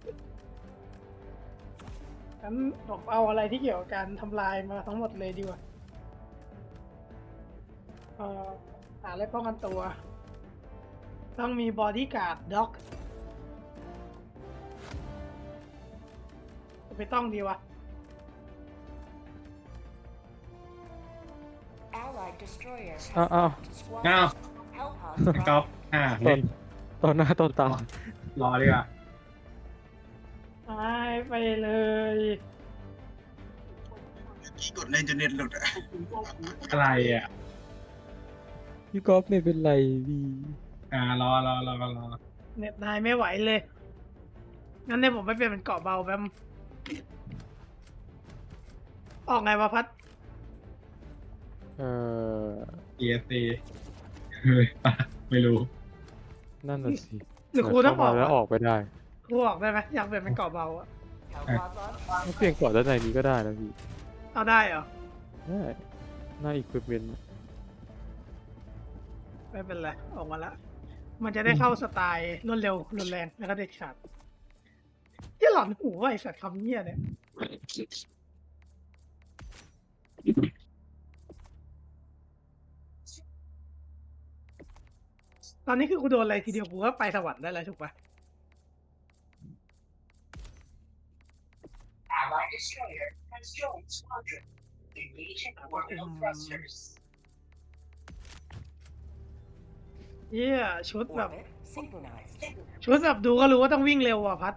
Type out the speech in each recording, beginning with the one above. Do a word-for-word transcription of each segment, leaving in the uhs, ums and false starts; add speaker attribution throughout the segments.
Speaker 1: งั้นผมเอาอะไรที่เกี่ยวกับการทำลายมาทั้งหมดเลยดีกว่าเอ่อหาอะไรป้องกันตัว ต้องมีบอดี้การ์ดด็อกไม่ต้องดีวะ
Speaker 2: อ้าวอ้าว
Speaker 3: อ้าวก๊อฟอ่า
Speaker 2: ตอนตอนหน้าตอนตาร
Speaker 3: อดีกว่า
Speaker 1: หายไปเลย
Speaker 4: กี่กดเลยจนเน็ตหลุดอะ
Speaker 3: อะไรอ่ะ
Speaker 2: พี่ก๊อฟไม่เป็นไรพี่
Speaker 3: อ่ารอรอรอรอ
Speaker 1: เน็ตนายไม่ไหวเลย งั้นเนี่ยผมไปเปลี่ยนเป็นเกาะเบาแป๊บออกไงวะพัด
Speaker 2: เอ่อ
Speaker 3: เอซีเฮ้ยไม่รู้
Speaker 2: นั่นน่ะสิ
Speaker 1: หรือครูต้องออก
Speaker 2: เข้ามาแล้วออกไปได้
Speaker 1: ครูออกได้ไหมอยากเปลี่ยนเป็นเกาะเบาอะ
Speaker 2: ถ้าเปลี่ยนก่อนด้านในนี้ก็ได้นะพี่
Speaker 1: เอาได้เหรอ
Speaker 2: ได้หน้าอีกเปลี่ยน
Speaker 1: ไม่เป็นไรออกมาละ มันจะได้เข้าสไตล์รวดเร็วรุนแรงแล้วก็เด็ดขาดที่หลอนหูว่าไอสัตว์คำเนี้ยเนี่ยตอนนี้คือกูโดนอะไรทีเดียวกูก็ไปสวรรค์ได้แล้วถูกปะ
Speaker 5: Allied destroyer has joined squadron. Engaging orbital thrusters.
Speaker 1: เยี่ยชุดแบบ
Speaker 5: Orbit synchronized.
Speaker 1: ชุดแบบดูก็รู้ว่าต้องวิ่งเร็วอ่ะพัด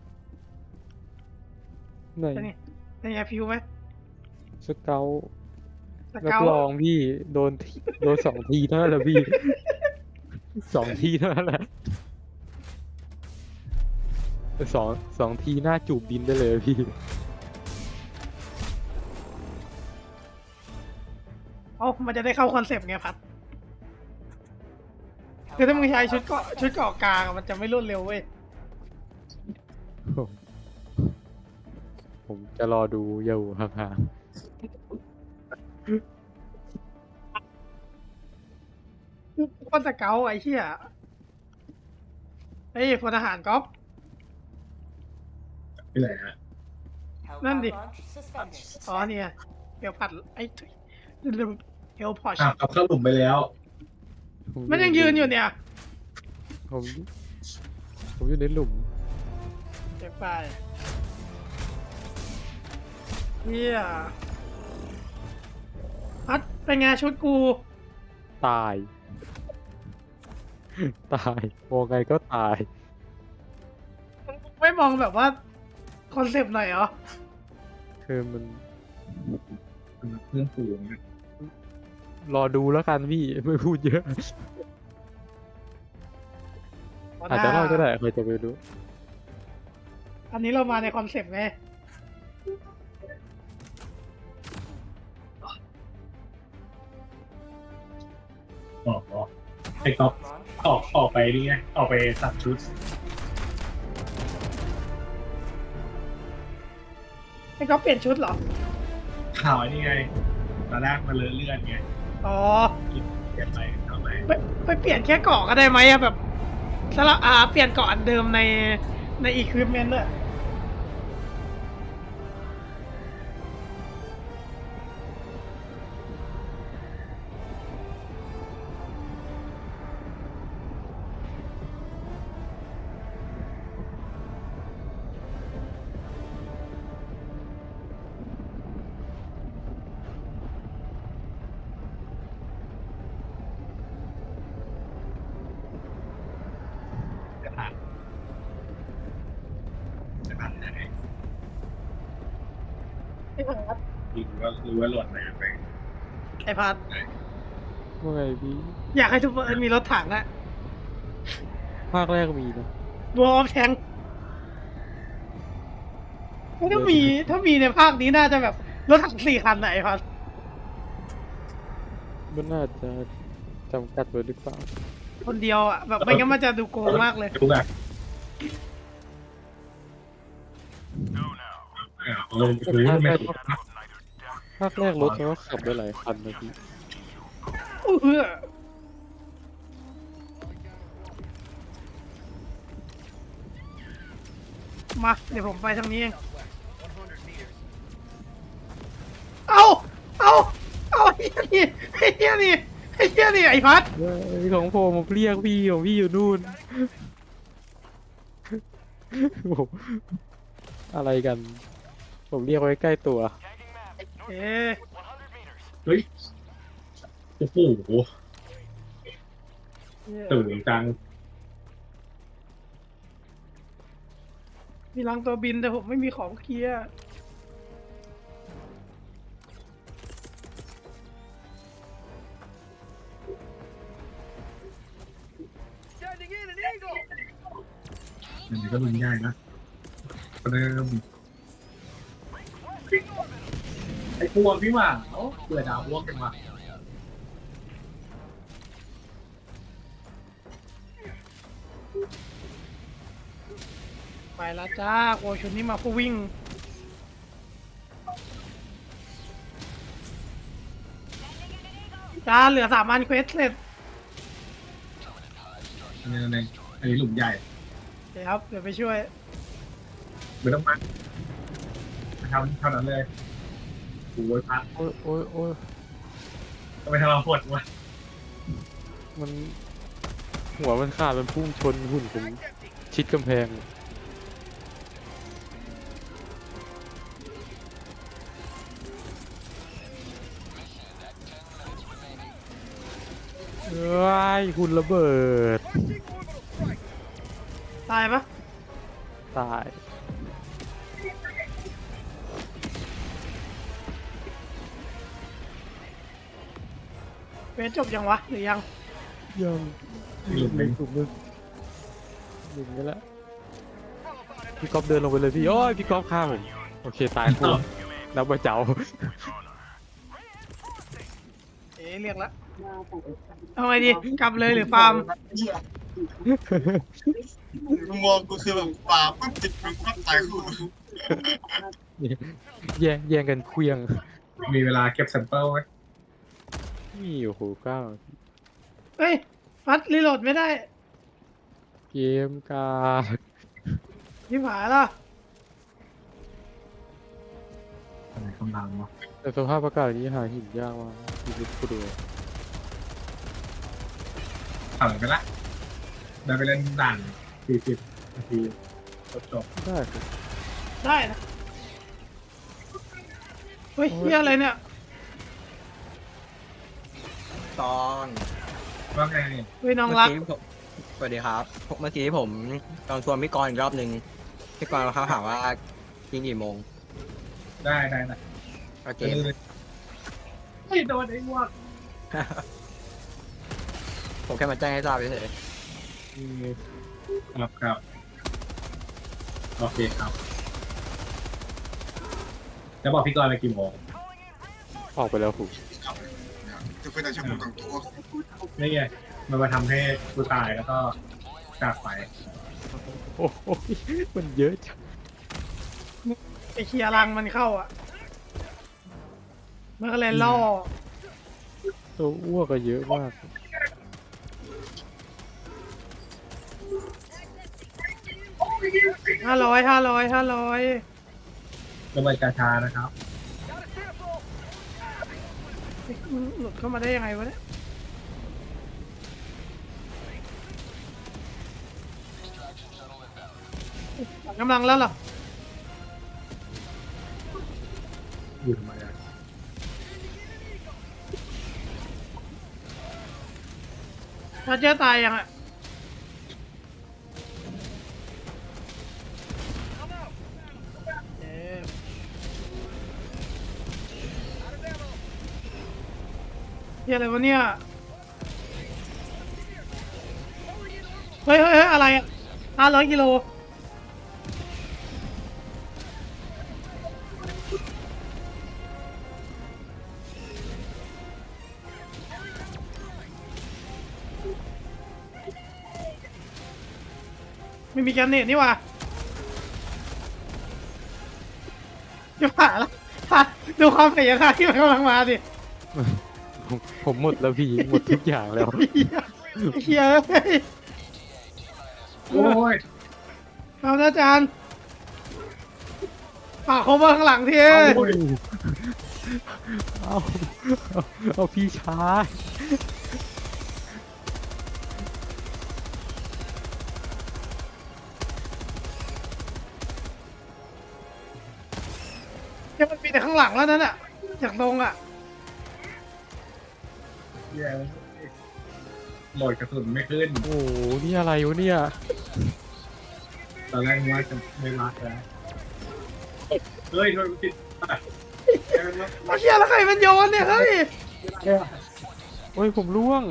Speaker 2: ไหน
Speaker 1: เป็นไงเป็นไงฟิวไหม
Speaker 2: สเกล
Speaker 1: ส
Speaker 2: รับ
Speaker 1: เกล
Speaker 2: รองพี่โดนทีโดนสองทีเท่านั้นแหละพี่ สองทีเท่านั้นแหละสองสองทีหน้าจูบดินได้เลยพี่
Speaker 1: เอ้ามันจะได้เข้าคอนเซปต์ไงพัด คือถ้ามึงใช้ชุดเกาะชุดเกาะกลางอะมันจะไม่รวดเร็วเว้ย
Speaker 2: ผมผมจะรอดูอยู่ห่าง
Speaker 1: ก้อนสเกลไอ้เหี้ยเฮ้ยพลทหารก๊อฟ
Speaker 3: ไม่ไหนฮะ
Speaker 1: นั่นดิ
Speaker 5: Launch suspended.
Speaker 1: อ๋อเนี่ยเดี๋ยวผัดไอ้เฮลพอช
Speaker 3: อ้าวเอาเข้าหลุมไปแล้ว
Speaker 2: ๆผม
Speaker 1: มันยังยืนอยู่เนี่ย
Speaker 2: ผมผมอยู่ในหลุม
Speaker 1: เก็บไปเฮียพัดเป็นไงชุดกู
Speaker 2: ตาย ตายมองไงก็ตาย
Speaker 1: ไม่มองแบบว่าคอนเซปต์หน่อยเหรอ
Speaker 2: คือมัน
Speaker 3: เพื่อนฝูง
Speaker 2: รอดูแล้วกันพี่ ไม่พูดเยอะ อาจจะรอดก็ได้ใครจะไปรู้
Speaker 1: อันนี้เรามาในคอนเซปต์ไง
Speaker 3: ออกออกไอ้ก๊อฟ
Speaker 5: Launch
Speaker 3: ออกออกไปนี่ไงออกไปตัดชุด
Speaker 1: ไอ้ก๊อฟเปลี่ยนชุดเหรอ
Speaker 3: ข่าวไอ้นี่ไงตอนแรกมันเลอะเลือดไง
Speaker 1: อ๋อ
Speaker 3: เปลี่ยนไปทำไม
Speaker 1: ไปไปเปลี่ยนแค่เกาะก็ได้ไหมอะแบบสลับอ่าเปลี่ยนเกาะอันเดิมในในอีควิปเมนต์ด้วย
Speaker 3: จะผ่านจะผ่านยังไง
Speaker 1: ไอ้พัด
Speaker 3: จริงว่ารู้ว่าหล่นไปไป
Speaker 1: ไอ้พัด
Speaker 2: ว่าไงพี่
Speaker 1: อยากให้ทุกคนมีรถถังอะ
Speaker 2: ภาคแรกมีนะ
Speaker 1: บัวออฟแทงถ้ามีถ้ามีในภาคนี้น่าจะแบบรถถังสี่คันไหนพัด
Speaker 2: มันน่าจะจำกัดไว้หรือเปล่า
Speaker 1: คนเดียวอะแบบไม่งั้นมันจะดูโกงมากเลย
Speaker 3: รู้แบบอ่าลงรู้ว่าไม่ถูกนะ
Speaker 2: ภาคแรกรถมันก็ขับได้หลายคันนะพี่
Speaker 1: เออมาเดี๋ยวผมไปทางนี้เองเอาเอาเอาไอ้เหี้ยนี่ไอ้เหี้ยนี่ไอ้เหี้ยนี่ไอ้พัด
Speaker 2: เฮ้ยของผมผมเรียกพี่ของพี่อยู่นู่นผมอะไรกัน ผมเรียกไว้ใกล้ตัว
Speaker 1: เอ๊ะ
Speaker 3: เฮ้ยโอ้โห
Speaker 1: เนี่ย
Speaker 3: ตื่นจัง
Speaker 1: มีรังตัวบินแต่ผมไม่มีของเคลียร์
Speaker 3: อันนี้ก็รุนง่ายนะเริ่มไอ้พวกพี่หว่าเอ้าเบื่อดาวพวกกันว่ะ
Speaker 1: ไปแล้วจ้าโอ้ชุดนี้มาเพื่อวิ่งจ้าเหลือสามอันเควสเสร็จ
Speaker 3: อันนี้อันนี้อันนี้หลุมใหญ่
Speaker 1: เดี๋ยวครับเดี๋ยวไปช่วย
Speaker 3: ไม่ต้องมาทำเท่านั้นเลยโอ้ยพัด
Speaker 2: โอ้ยโอ้ยโอ้ย
Speaker 3: ก็ไม่ทำเราปวดวะ
Speaker 2: มันหัวมันขาดมันพุ่งชนหุ่นผมชิดกำแพงเอ้ยหุ่นระเบิด
Speaker 1: ตายปะ
Speaker 2: ตาย
Speaker 1: เควสจบยังวะหรือยัง
Speaker 2: ยัง
Speaker 3: หลุมหนึ่ง
Speaker 2: ถูกมึงหนึ่งนี่แหละพี่ก๊อฟเดินลงไปเลยพี่โอ้ยพี่ก๊อฟฆ่าผมโอเคตายคู่แล้วมาเจ้า
Speaker 1: เอ๊ะเรียกละเอาไงดีกลับเลยหรือฟาร์ม
Speaker 4: มึงมองกูคือแบบป่าปั๊บจิตมึงปั๊บตายคู่
Speaker 2: แย่งแย่งกันเคลียง
Speaker 3: มีเวลาเก็บแซมเปิลไหม
Speaker 2: นี่โอ้โหเก้า
Speaker 1: เฮ้ยพัดรีโหลดไม่ได้
Speaker 2: เกมกา
Speaker 1: ที่ผายละ
Speaker 3: อะไรกำลังวะ
Speaker 2: แต่สภาพอากาศนี้หาหินยากมากชีวิตกูดู
Speaker 3: ผ่านไปละได้ไปเล่นด่านสี่สิบนาทีจบจบ
Speaker 2: ได้ครับ
Speaker 1: ได้นะเฮ้ยเฮียอะไรเนี่ย
Speaker 6: ตอน
Speaker 3: ว่าไง
Speaker 1: เฮ้ยน้องรัก
Speaker 6: เมื่กี้ผมสวัสดีครับ เมื่อกี้ผมลองชวนพี่กรณ์อีกรอบหนึ่งพี่กรณ์เขาถามว่ากินกี่โมง
Speaker 3: ได้ได้ได้
Speaker 6: โอเค
Speaker 3: เฮ้ยโดนไอ้พวก
Speaker 6: ผมแค่มาแจ้งให้ทราบเฉย
Speaker 2: นี่
Speaker 3: ครับครับโอเคครับจะบอกพี่กรณ์ไปกี่โมง
Speaker 2: ออกไปแล้วผม
Speaker 4: จะเป็นแต่ชั่วโมงต่างตัว
Speaker 3: นี่ไงมันมาทำให้กูตายแล้วก็จากไป
Speaker 2: โอ้โหมันเยอะจัง
Speaker 1: ไปเคลียร์รังมันเข้าอ่ะมันก็เลยล่อ
Speaker 2: ตัวอ้วกก็เยอะมาก
Speaker 1: ห้าร้อยห้าร้อยห้าร้อย
Speaker 3: ระเบิดกาชานะครับ
Speaker 1: มันหลุดเข้ามาได้ยังไงวะเนี่ยกำลังแล้วเหรอ
Speaker 3: อยู่ทำไมอะ
Speaker 1: ถ้าเจอตายยังอ่ะเอ๊ะเฮียอะไรวะเนี่ย เฮ้ยเฮ้ยเฮ้ยอะไรอ่ะห้าร้อยกิโล ไม่มีแกนเนตนี่หว่าจะผ่าแล้วผ่าดูความพยายามที่มันกำลังมาดิ
Speaker 2: ผมผมหมดแล้วพี่หมดทุกอย่างแล้ว
Speaker 1: เฮียเฮียเฮ้ย
Speaker 3: โอ้ย
Speaker 1: เอานะอาจารย์ฝากเขามาข้างหลังที
Speaker 2: เอาเอาเอาเอาพี่ชาย
Speaker 1: เนี่ยมันมีแต่ข้างหลังแล้วนั่นอ่ะจากตรงอ่ะ
Speaker 3: เหี้ยโหลดกระสุนไม่ขึ้น
Speaker 2: โอ้โหนี่อะไรวะเนี่ย
Speaker 3: ตอนแรกว่าจะไม่รักแล้วเฮ้ยโดนติดอ่ะ
Speaker 1: ไอ้เหี้ยแล้วใครมันโยนเนี่ยเฮ้ย
Speaker 2: โอ้ยผมร่วง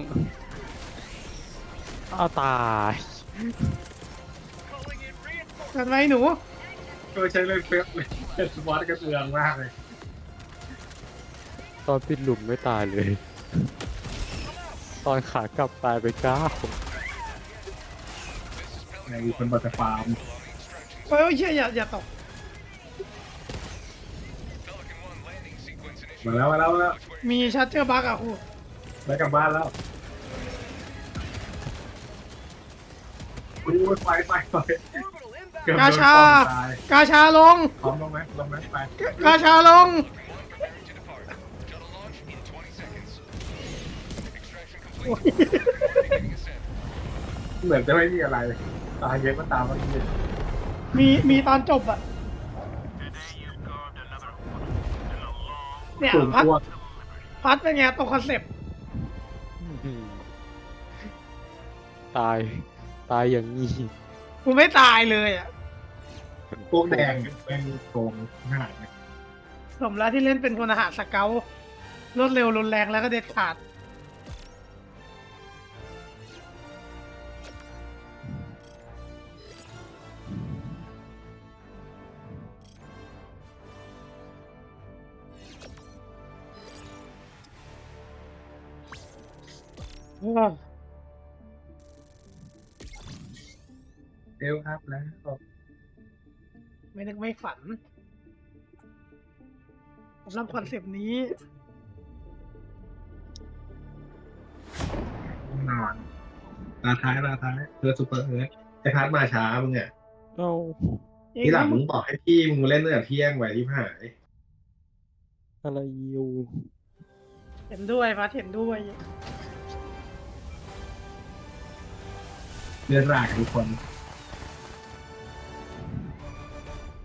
Speaker 2: อ้าวตาย
Speaker 1: กันไหมหนู
Speaker 3: ก็ใช้เล่นเฟซเลยเป็นสปอร์ตกระเตืองมากเลย
Speaker 2: ตอนปิดหลุมไม่ตายเลย ตอนขากลับตายไปเก้า
Speaker 3: ในคนบัตฟาร์ม
Speaker 1: เฮ้ยเหี้ยอย่าอย่าตก
Speaker 3: มาแล้วมาแล้วมาแล้ว
Speaker 1: มีชัดเจอร์บักอ่ะครู
Speaker 3: ได้กลับบ้านแล้วอู้ยไฟไฟไฟเกือบโดน
Speaker 1: กาชา
Speaker 3: ป้อมตาย
Speaker 1: กาชาลง
Speaker 3: พร้อมลงไหมลงไหมไป
Speaker 1: กาชาลง
Speaker 3: เหมือนจะไม่มีอะไรตายเยอะก็ตามเมื่อกี้
Speaker 1: มีมีตอนจบอ่ะเนี่ย
Speaker 3: สูง
Speaker 1: พัด
Speaker 3: ตัว
Speaker 1: พัดเป็นไงตรงคอนเซ็ปต์
Speaker 2: อืมตาย ตายอย่างนี้
Speaker 1: กูไม่ตายเลยอ่ะ
Speaker 3: พวกแดงเป็นโกงหาย
Speaker 1: สมแล้วที่เล่นเป็นพลทหารสเกลรวดเร็วรุนแรงแล้วก็เด็ดขาดอ้าว
Speaker 3: เอลอัพแล้ว
Speaker 1: ไม่นึกไม่ฝันสำหรับคอนเซปต์นี้
Speaker 3: นอนตาท้ายตาท้ายเพื่อซูเปอร์เอิร์ธไอ้พัดมาช้ามึงอ่ะ
Speaker 2: เอ้า
Speaker 3: ที่หลังมึงบอกให้พี่มึงเล่นตั้งแต่เที่ยงไว้ที่หาย
Speaker 2: อะไรอยู่
Speaker 1: เห็นด้วยพัดเห็นด้วย
Speaker 3: เลือดรากทุกคน
Speaker 1: เ